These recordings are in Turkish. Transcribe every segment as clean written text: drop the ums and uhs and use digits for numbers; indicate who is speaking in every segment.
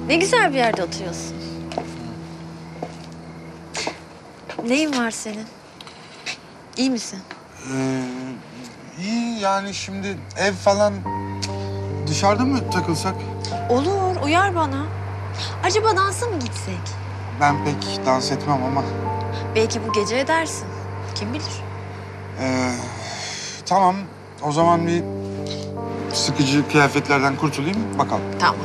Speaker 1: Ne güzel bir yerde oturuyorsun. Neyin var senin? İyi misin?
Speaker 2: İyi yani şimdi ev falan dışarıda mı takılsak?
Speaker 1: Olur, uyar bana. Acaba dansa mı gitsek?
Speaker 2: Ben pek dans etmem ama.
Speaker 1: Belki bu gece edersin. Kim bilir?
Speaker 2: Tamam o zaman bir sıkıcı kıyafetlerden kurtulayım bakalım.
Speaker 1: Tamam.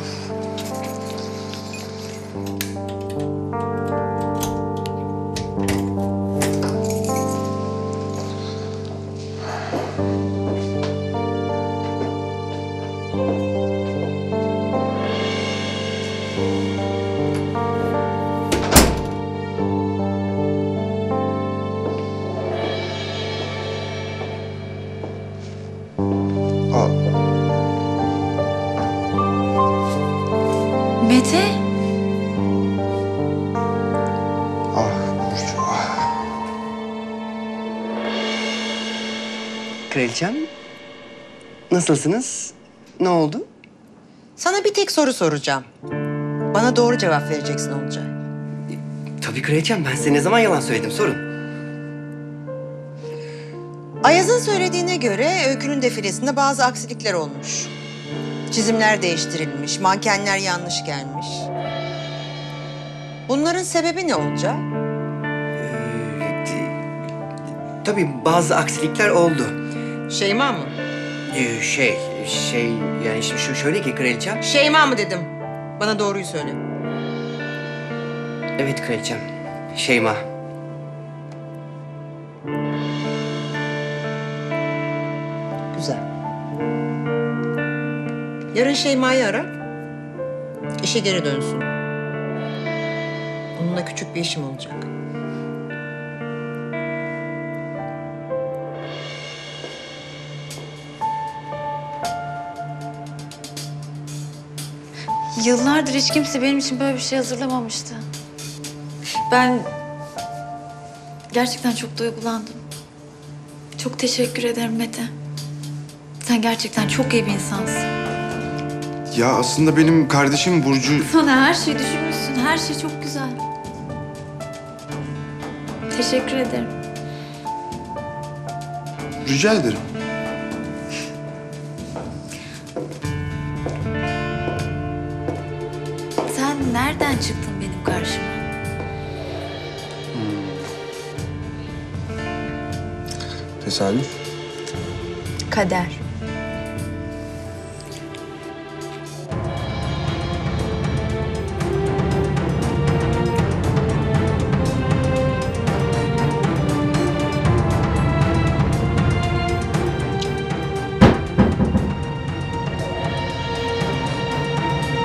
Speaker 2: Aa,
Speaker 1: Mete?
Speaker 2: Burcu,
Speaker 3: Kraliçem, nasılsınız? Ne oldu?
Speaker 4: Sana bir tek soru soracağım. Bana doğru cevap vereceksin Olcay.
Speaker 3: Tabii kraliçem, ben size ne zaman yalan söyledim? Sorun.
Speaker 4: Ayaz'ın söylediğine göre Öykü'nün defilesinde bazı aksilikler olmuş. Çizimler değiştirilmiş, mankenler yanlış gelmiş. Bunların sebebi ne Olcay?
Speaker 3: Tabii bazı aksilikler oldu.
Speaker 4: Şeyma mı?
Speaker 3: Yani şimdi şöyle ki kraliçem.
Speaker 4: Şeyma mı dedim. Bana doğruyu söyle.
Speaker 3: Evet kraliçem, Şeyma.
Speaker 4: Güzel. Yarın Şeyma'yı ara. İşe geri dönsün. Onunla küçük bir işim olacak.
Speaker 1: Yıllardır hiç kimse benim için böyle bir şey hazırlamamıştı. Ben gerçekten çok duygulandım. Çok teşekkür ederim Mete. Sen gerçekten çok iyi bir insansın.
Speaker 2: ya aslında benim kardeşim Burcu...
Speaker 1: Sana her şeyi düşünmüşsün. Her şey çok güzel. Teşekkür ederim.
Speaker 2: Rica ederim.
Speaker 1: Sen nereden çıktın benim karşıma?
Speaker 2: Tesadüf.
Speaker 1: Kader.